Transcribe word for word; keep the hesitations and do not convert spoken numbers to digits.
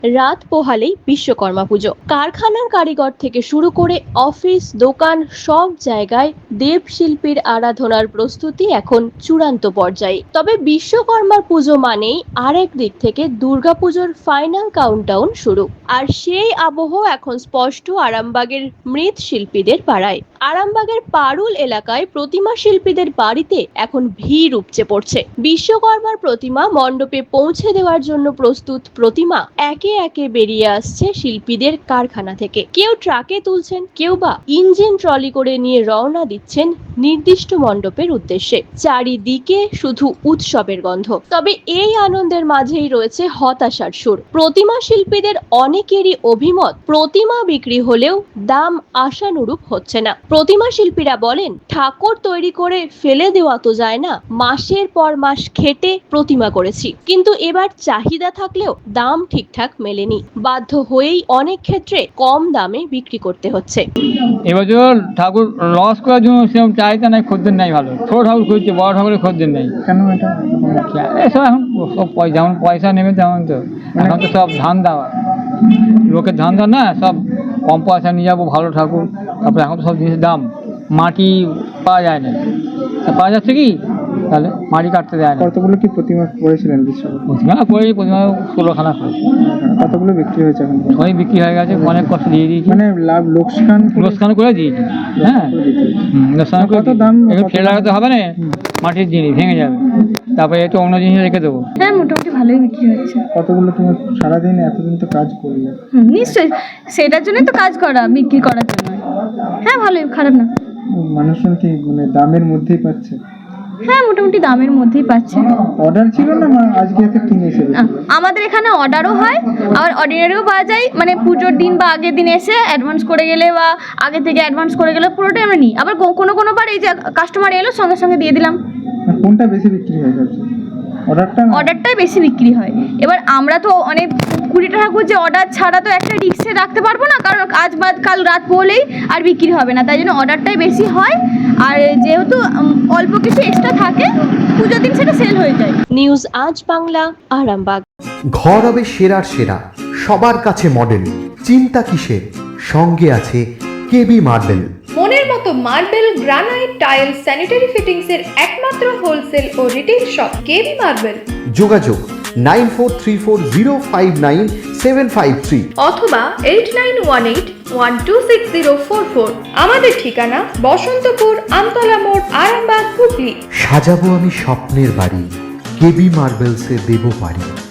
রাত পোহালেই বিশ্বকর্মা পুজো। কারখানার কারিগর থেকে শুরু করে অফিস, দোকান সব জায়গায় দেবশিল্পীর আরাধনার প্রস্তুতি এখন চূড়ান্ত পর্যায়ে। তবে বিশ্বকর্মার পুজো মানেই আরেক দিক থেকে দুর্গাপুজোর ফাইনাল কাউন্টডাউন শুরু। আর সেই আবহ এখন স্পষ্ট আরামবাগের মৃৎশিল্পীদের পাড়ায়। আরামবাগের পারুল এলাকায় প্রতিমা শিল্পীদের বাড়িতে এখন ভিড় উপচে পড়ছে। বিশ্বকর্মার প্রতিমা মণ্ডপে পৌঁছে দেওয়ার জন্য প্রস্তুত প্রতিমা একে একে বেরিয়ে আসছে শিল্পীদের কারখানা থেকে। কেউ ট্রাকে তুলছেন, কেউ বা ইঞ্জিন ট্রলি করে নিয়ে রওনা দিচ্ছেন নির্দিষ্ট মণ্ডপের উদ্দেশ্যে। চারিদিকে শুধু উৎসবের গন্ধ। তবে এই আনন্দের মাঝেই রয়েছে হতাশার সুর। প্রতিমা শিল্পীদের অনেকেরই অভিমত, প্রতিমা বিক্রি হলেও দাম আশানুরূপ হচ্ছে না। প্রতিমা শিল্পীরা বলেন, ঠাকুর তৈরি করে ফেলে দেওয়া তো যায় না, মাসের পর মাস খেটে প্রতিমা করেছি, কিন্তু এবার চাহিদা থাকলেও দাম ঠিকঠাক মেলেনি। বাধ্য হয়েই অনেক ক্ষেত্রে কম দামে বিক্রি করতে হচ্ছে। এবছর ঠাকুর লস করার জন্য সেরকম চাহিদা নাই, খদ্দের নাই ভালো। ছোট ঠাকুর খুঁজছে, বড় ঠাকুরের খদ্দের নেই। কেন এটা? এসব এখন সব পয়সা, যেমন পয়সা নেবে তেমন তো এখন তো সব ধান দেওয়া, লোকের ধান দেওয়া না, সব কম পয়সা নিয়ে যাবো ভালো ঠাকুর। তারপরে এখন তো সব জিনিসের দাম, মাটি পাওয়া যায় না। পাওয়া যাচ্ছে কি তাহলে মাটি কাটতে দেয় না। কতগুলো কি প্রতিমা করেছিলেন বিশ্বকর্মা? প্রতিমা করে প্রতিমা ষোলোখানা করেছে। কতগুলো বিক্রি হয়েছে এখন? সবই বিক্রি হয়ে গেছে, অনেক কষ্ট দিয়ে দিয়েছি, মানে লাভ লোকসান লোকসান করে দিয়েছি। হ্যাঁ, লোকসান করে কত দাম? একটু ফেলে লাগাতে হবে না, মাটির জিনিস ভেঙে যাবে, তারপরে একটু অন্য জিনিস রেখে দেবো। হ্যাঁ, মোটামুটি ভালোই বিক্রি হচ্ছে। কতগুলো তুমি সারাদিন এতদিন তো কাজ করলে? হুম, নিশ্চয়ই, সেটার জন্যই তো কাজ করা, বিক্রি করার জন্য। হ্যাঁ, ভালোই, খারাপ না। মানুষজন কি মানে দামের মধ্যেই পাচ্ছে? হ্যাঁ, মোটামুটি দামের মধ্যেই পাচ্ছে। অর্ডার ছিল না আজকে এসে কিনে এসে? আহ, আমাদের এখানে অর্ডারও হয়, আবার অর্ডিনারিও পাওয়া যায়। মানে পুজোর দিন বা আগের দিন এসে অ্যাডভান্স করে গেলে বা আগে থেকে অ্যাডভান্স করে গেলে পুরোটাই আমরা নিই। আবার কোনো কোনো বার এই যে কাস্টমার এলো সঙ্গে সঙ্গে দিয়ে দিলাম। কোনটা বেশি বিক্রি হয়ে যাচ্ছে? অর্ডারটা? অর্ডারটাই বেশি বিক্রি হয়। এবার আমরা তো অনেক কুড়িটা ঠাকুর যে অর্ডার ছাড়া তো একটা রিক্সে রাখতে পারবো না, কারণ আজ বাদ কাল রাত পড়লেই আর বিক্রি হবে না, তাই জন্য অর্ডারটাই বেশি হয়। আর যেহেতু অল্প কিছু এক্সট্রা থাকে, পুজোর দিন সেটা সেল হয়ে যায়। নিউজ আজ বাংলা, আরামবাগ। ঘর হবে সেরার সেরা, সবার কাছে মডেল, চিন্তা কিসের, সঙ্গে আছে কেবি মার্বেল। মনের মতো marble, granite, tile, sanitary fittings এর একমাত্র হোলসেল ও রিটেল শপ কেবি মার্বেল। যোগাযোগ nine four three four zero five nine seven five three অথবা eight nine one eight one two six zero four four. আমাদের ঠিকানা বসন্তপুর, আমতলা মোড়, আরামবাগ, হুগলি। সাজাবো আমি স্বপ্নের বাড়ি, কেবি মার্বেলসে দেবো বাড়ি।